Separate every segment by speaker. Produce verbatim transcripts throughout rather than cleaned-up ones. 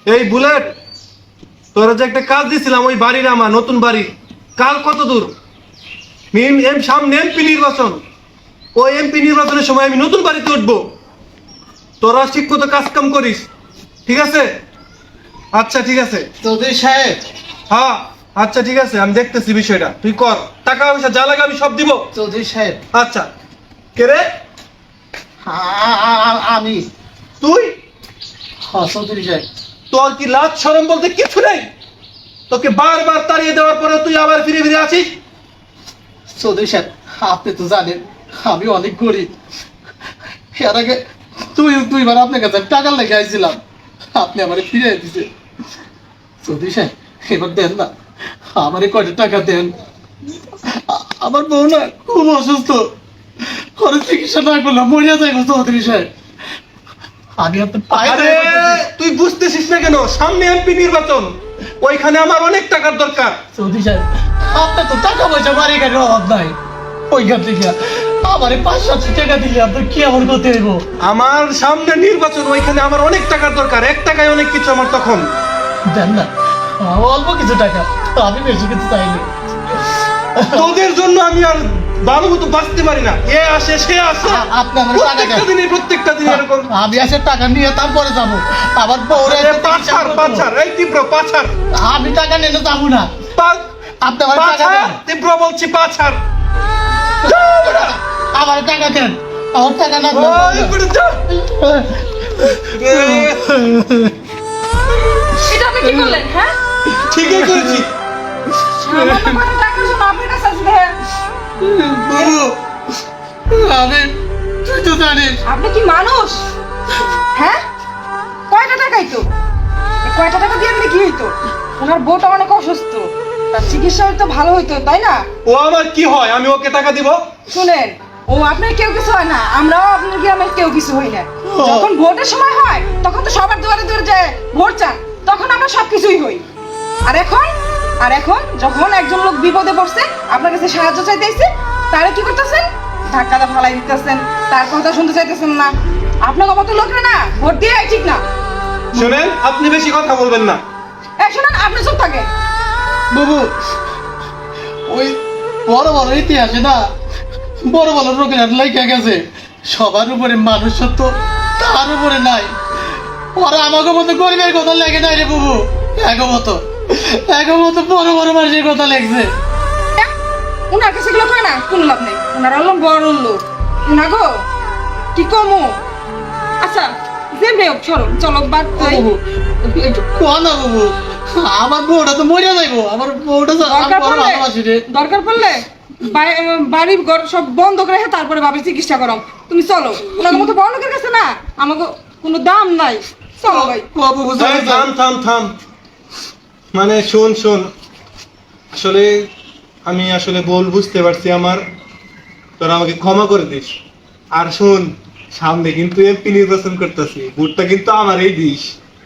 Speaker 1: এই বুলেট, তোরা যে একটা কাজ দিছিলাম ওই বাড়ির, আমার নতুন বাড়ি, কাল কত দূর? মিম এম সামনে এমপি নির্বাচন, ওই এমপি নির্বাচনের সময় আমি নতুন বাড়িতে উঠবো। তোরা ঠিক মতো কাজ কাম করিস, ঠিক আছে? আচ্ছা ঠিক আছে
Speaker 2: চৌধুরী সাহেব।
Speaker 1: হ্যাঁ আচ্ছা ঠিক আছে, আমি দেখতেছি বিষয়টা, তুই কর। টাকা পয়সা যা লাগে আমি সব দিব।
Speaker 2: চৌধুরী সাহেব।
Speaker 1: আচ্ছা কে রে?
Speaker 2: আ- আ- আমি।
Speaker 1: তুই?
Speaker 2: হ্যাঁ চৌধুরী সাহেব।
Speaker 1: তোর কি লাজ শরম বলতে কিছু নেই? তোকে বারবার তাড়িয়ে দেওয়ার পরে তুই আবার ফিরে ফিরে আসিস?
Speaker 2: চৌধুরী সাহেব, আপনি তো জানেন আমি অনেক গরিব। এর আগে তুই দুইবার আপনার কাছে টাকা লেগে আইছিলাম, আপনি আমার ফিরে দিছে। চৌধুরী সাহেব এবার দেন না, আমারে কয়টা টাকা দেন। আ- আমার বউ না খুব অসুস্থ, করে চিকিৎসা না করলাম মরিয়া যাইব। চৌধুরী সাহেব আমি আপনার পায়ে
Speaker 1: আরে
Speaker 2: ধরে বলতেছি।
Speaker 1: তুই বুঝতেছিস না কেন? সামনে এমপি নির্বাচন, ওইখানে আমার অনেক টাকার দরকার।
Speaker 2: চৌধুরী সাহেব আপনার তো টাকা পয়সা বাড়ি গাড়ির অভাব নাই, ওইখান থেকে আমারে পাঁচ সাতশো টাকা দিলে আপনার কি আমার করতে হইব?
Speaker 1: আমার সামনে নির্বাচন, ওইখানে আমার অনেক টাকার দরকার। এক টাকায় অনেক কিছু আমার তখন।
Speaker 2: দেন না, অল্প কিছু টাকা, আমি বেশি কিছু চাইনি।
Speaker 1: তোদের জন্য আমি আর ভালো মতো বাঁচতে পারি না। এ আসে সে আসে,
Speaker 2: আ- আপনি আমার টাকা
Speaker 1: প্রত্যেকটা
Speaker 2: দেন।
Speaker 1: দিনে প্রত্যেকটা দিনে এরকম।
Speaker 2: আমি আসে টাকা নিয়ে তারপরে যাবো। আবার বউরে
Speaker 1: আরে পাছার পাছার, এই তীব্র পাছার,
Speaker 2: আমি টাকা নিয়ে যাবো না।
Speaker 1: পা-
Speaker 2: আপনি আমার টাকা
Speaker 1: পাছার,
Speaker 2: দেন,
Speaker 1: তীব্র বলছি পাছার।
Speaker 2: আমার টাকা দেন, আমার টাকা না
Speaker 1: ওই করে যা। এ,
Speaker 3: এটা আপনি কি করলেন? হ্যাঁ,
Speaker 1: ঠিকই করেছি।
Speaker 3: সামান্য কটা টাকার জন্য আপনার কাছে আসবে?
Speaker 2: বাবু আমি, তুই তো জানিস
Speaker 3: আপনি কি মানুষ? হ্যাঁ, কয়টা টাকাই তো? এই কয়টা টাকা দিয়ে আপনি কি হইতো? ওনার বউটা অনেক অসুস্থ, তার চিকিৎসা হয়তো ভালো হইতো, তাই না?
Speaker 1: ও আমার কি হয়? আমি ওকে টাকা দিব?
Speaker 3: শুনেন, ও আপনার কেউ কিছু হয় না, আমরাও আপনার গ্রামের কেউ কিছু হই না। যখন ভোটের সময় হয় তখন তো সবার দুয়ারে দুয়ারে যায় ভোট চান, তখন আমরা সবকিছুই হই। আর এখন আর এখন যখন একজন লোক বিপদে পড়ছে, আপনার কাছে সাহায্য চাইতেছে, তারে কি করতেছেন? ধাক্কাটা ফালাই দিতেছেন, তার কথা শুনতে চাইতেছেন না। আপনার মতো লোকরা না ভোট দিয়ে ঠিক না।
Speaker 1: শোনেন, আপনি বেশি কথা বলবেন না।
Speaker 3: এক শোনেন, আপনি চুপ থাকেন।
Speaker 2: বাবু, ওই বড় বড় ইতিহাসে না বড় বড় রোগের লেখা গেছে সবার উপরে মানুষত্ব তার উপরে নাই। ওরা আমাকে মতো গরিবের কথা লেগে নাই রে বাবু, এগো মতো এগো মতো বড় বড় মানুষের কথা লেগছে।
Speaker 3: উনার কাছে গুলো কয় না, কোনো লাভ নেই। উনার হলো বড় লোক, উনা গো কি কমো। আচ্ছা যেমনি হোক, চলো চলো বাদ
Speaker 2: ও
Speaker 3: দেই।
Speaker 2: বাবু, একটু কোয়া না বাবু, আমার বউটা তো মরিয়া যাইবো। আমার বউটা তো আমি
Speaker 3: দরকার
Speaker 2: বড়
Speaker 3: পড়লে
Speaker 2: ভালোবাসি রে।
Speaker 3: দরকার পড়লে বাই- বাড়ির ঘর সব বন্ধ করে রেখে তারপরে বাবার চিকিৎসা করো। তুমি চলো, ওনার মতো বড় লোকের কাছে না আমাকে কোনো দাম নাই। চলো ভাই।
Speaker 2: কোয়া বাবু,
Speaker 1: এই, থাম থাম থাম। মানে শোন শোন, আসলে আমি আসলে বল বুঝতে পারছি আমার, তোরা আমাকে ক্ষমা করে দিস। আর শোন, সামনে কিন্তু এমপি নির্বাচন করতেছি, ভোটটা কিন্তু আমারই দিস।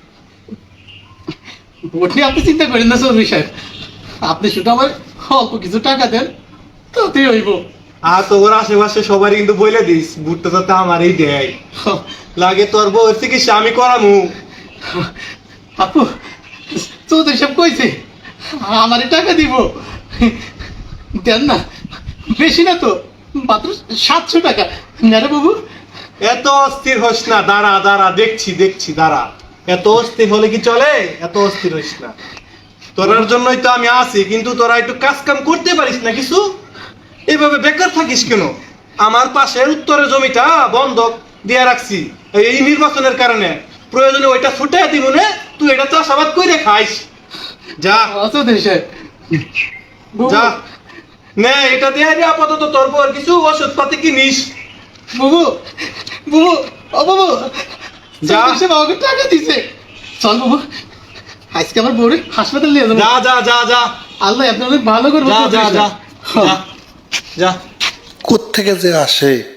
Speaker 2: ভোট নিয়ে আপনি চিন্তা করেন না চৌধুরী সাহেব, আপনি শুধু আমার অল্প কিছু টাকা দেন তাতেই হইব।
Speaker 1: আর তোর আশেপাশে সবারই কিন্তু বলে দিস ভোটটা যাতে আমারই দেয়। লাগে তোর বউ চিকিৎসা আমি করামু।
Speaker 2: আপু, চৌধুরী সাহেব কইছে আমারই টাকা দিব, দেন না, বেশি না তো, মাত্র সাতশো টাকা। না রে বাবু,
Speaker 1: এত অস্থির হোস না, দাঁড়া দাঁড়া, দেখছি দেখছি, দাঁড়া। এত অস্থির হলে কি চলে? এত অস্থির হোস না, তোরার জন্যই তো আমি আছি। কিন্তু তোরা একটু কাজ কাম করতে পারিস না কিছু? এইভাবে বেকার থাকিস কেন? আমার পাশে উত্তরের জমিটা বন্ধক দিয়ে রাখছি এই নির্বাচনের কারণে, প্রয়োজনে ওইটা ছুটে দিব না, তুই এটা চাষাবাদ করে খাইস। যা
Speaker 2: চৌধুরী সাহেব, বাবু,
Speaker 1: যা নে, এটা দিয়ে আগে আপাতত তোর বউয়ের কিছু ওষুধ পাতি কিনিস।
Speaker 2: বাবু, বাবু, ও বাবু,
Speaker 1: যা।
Speaker 2: চৌধুরী সাহেব আমাকে টাকা দিছে। চল বাবু, আজকে আমার বউরে হাসপাতাল নিয়ে যাবো।
Speaker 1: যা যা যা যা
Speaker 2: আল্লাহ আপনি অনেক ভালো করবো।
Speaker 1: যা যা যা যা যা।
Speaker 4: কোত্থেকে যে আসে